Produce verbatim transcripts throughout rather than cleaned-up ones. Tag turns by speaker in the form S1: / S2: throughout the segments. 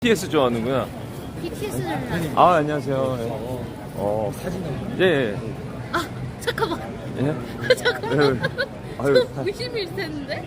S1: 비티에스 좋아하는구나.
S2: 비티에스는
S1: 아, 안녕하세요. 예. 어,
S3: 사진 한번.
S1: 예, 예.
S2: 아 잠깐만
S1: 예?
S2: 잠깐만
S1: 예. 아유,
S2: 저 의심일 텐데.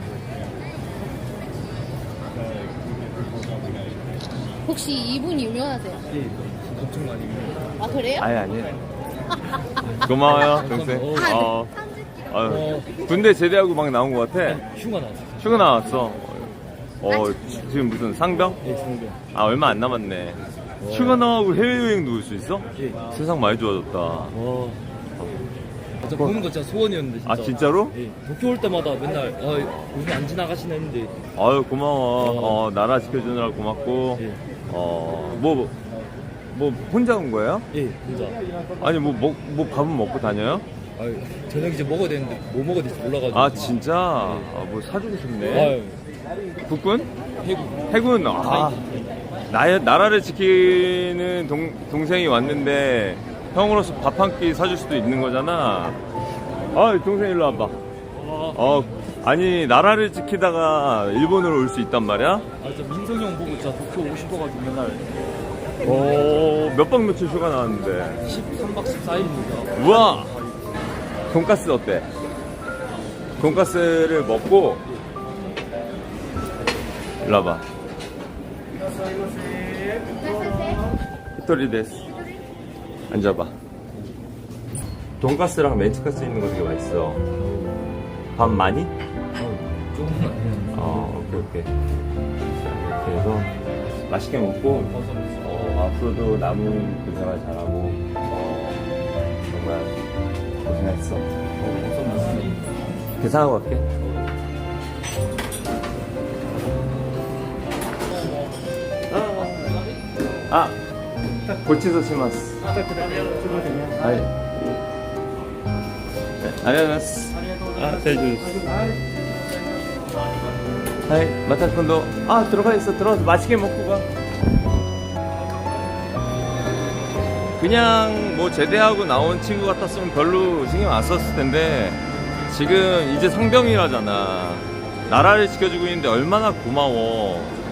S2: 혹시 이분 유명하세요?
S3: 예, 엄청 많이.
S2: 아 그래요?
S1: 아니, 아니. 고마워요, 동생. 어, 아유, 군대 제대하고 막 나온 것 같아.
S3: 휴가 나왔어.
S1: 휴가 나왔어. 어, 지금 무슨 상병?
S3: 예, 상병.
S1: 아, 얼마 안 남았네. 휴가 나가고 해외여행도 올 수 있어?
S3: 예.
S1: 세상 많이 좋아졌다.
S3: 와. 저 보는 거 진짜 소원이었는데 진짜.
S1: 아, 진짜로?
S3: 예. 도쿄 올 때마다 맨날 아, 요즘 안 지나가시나 했는데.
S1: 아유, 고마워. 어, 나라 지켜주느라 고맙고.
S3: 예.
S1: 어, 뭐, 뭐, 혼자 온 거예요?
S3: 예, 혼자.
S1: 아니, 뭐, 먹, 뭐, 밥은 먹고 다녀요?
S3: 아, 저녁 이제 먹어야 되는데 뭐 먹어야 될지 몰라가지고.
S1: 아, 진짜? 아, 뭐 사주고 싶네.
S3: 아유,
S1: 국군?
S3: 해군.
S1: 해군, 아. 나, 나라를 지키는 동, 동생이 왔는데, 형으로서 밥 한 끼 사줄 수도 있는 거잖아. 아, 동생 일로 와봐. 어, 아니, 나라를 지키다가 일본으로 올 수 있단 말이야?
S3: 아, 저 민성이 형 보고 진짜 도쿄 오고 싶어가지고 맨날
S1: 어, 몇 박 며칠 휴가 나왔는데.
S3: 십삼 박 십사 일입니다.
S1: 우와! 돈가스 어때? 돈가스를 먹고, 일로 와봐. 히토리 데스. 앉아봐. 돈가스랑 멘치카스 있는 거 되게 맛있어. 밥 많이?
S3: 어, 조금만.
S1: 어, 오케이, 오케이. 이렇게 해서 맛있게 먹고, 어, 앞으로도 남은 군생활 잘하고, 어, 정말 고생했어. 계산하고 갈게. 아, 고치소 시마스. 아이. 네, 아리가토. 아, 잘 들었어. 하이, 마타콘도. 아, 들어가 있어. 들어가서 맛있게 먹고 가. 그냥 뭐 제대하고 나온 친구 같았으면 별로 신경 안 썼을 텐데, 지금 이제 상병이라잖아. 나라를 지켜주고 있는데 얼마나 고마워.